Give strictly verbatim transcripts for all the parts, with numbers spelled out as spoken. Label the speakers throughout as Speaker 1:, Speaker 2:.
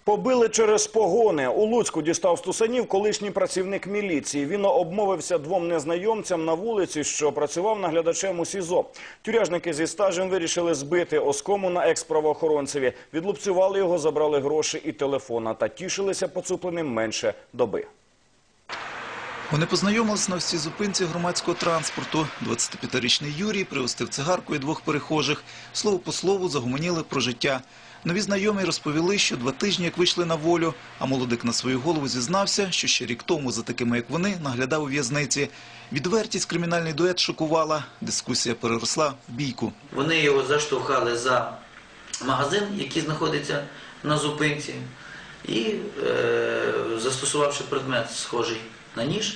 Speaker 1: Побили через погони. У Луцьку дістав стусанів колишній працівник міліції. Він обмовився двом незнайомцям на вулиці, що працював наглядачем у СІЗО. Тюряжники зі стажем вирішили збити оскому на екс-правоохоронцеві. Відлупцювали його, забрали гроші і телефона та тішилися поцупленим менше доби.
Speaker 2: Вони познайомились на всій зупинці громадського транспорту. двадцятип'ятирічний Юрій пригостив цигаркою двох перехожих. Слово по слову загомоніли про життя. Нові знайомі розповіли, що два тижні як вийшли на волю, а молодик на свою голову зізнався, що ще рік тому за такими, як вони, наглядав у в'язниці. Відвертість кримінальний дует шокувала. Дискусія переросла в бійку.
Speaker 3: Вони його заштовхали за магазин, який знаходиться на зупинці, і е, застосувавши предмет, схожий на ніж,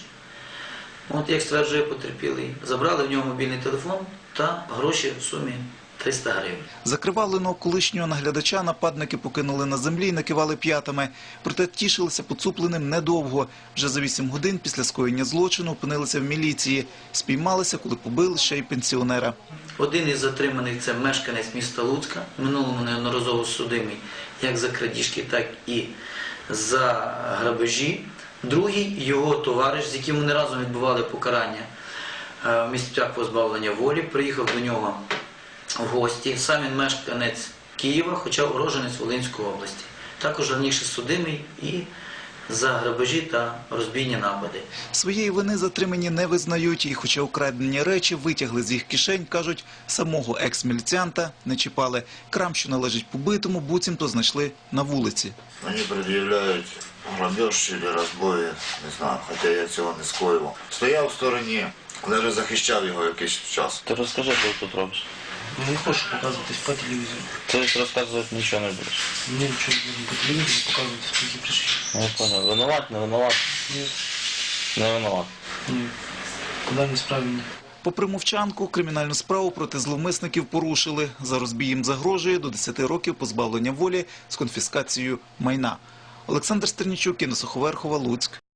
Speaker 3: от як стверджує потерпілий, забрали в нього мобільний телефон та гроші в сумі триста гривень.
Speaker 2: Закривавленого колишнього наглядача нападники покинули на землі і накивали п'ятами. Проте тішилися поцупленим недовго. Вже за вісім годин після скоєння злочину опинилися в міліції. Спіймалися, коли побили ще й пенсіонера.
Speaker 3: Один із затриманих – це мешканець міста Луцька, в минулому неодноразово судимий як за крадіжки, так і за грабежі. Другий – його товариш, з яким вони разом відбували покарання в місцях позбавлення волі, приїхав до нього в гості. Сам він мешканець Києва, хоча уроженець Волинської області. Також раніше судимий і за грабежі та розбійні напади.
Speaker 2: Своєї вини затримані не визнають, і хоча украдені речі витягли з їх кишень, кажуть, самого екс-міліціанта не чіпали. Крам, що належить побитому, буцімто знайшли на вулиці.
Speaker 4: Вони пред'являють грабеж чи розбої, не знаю, хоча я цього не скоював. Стояв в стороні, навіть захищав його якийсь час.
Speaker 5: Ти розкажи, що ти тут робиш.
Speaker 6: Не хочу показывать по телевизору.
Speaker 5: Ти розказувати нічого не будеш.
Speaker 6: Мне ничего не будем по телевизору показывать, сколько пришли.
Speaker 5: Не понял. Винуват, не винуват?
Speaker 6: Нет.
Speaker 5: Не винуват.
Speaker 6: Нет. Куда не справили?
Speaker 2: Попри мовчанку, кримінальну справу проти зловмисників порушили. За розбій їм загрожує до десяти років позбавлення волі з конфіскацією майна. Олександр Стернічук, Інна Суховерхова, Луцьк.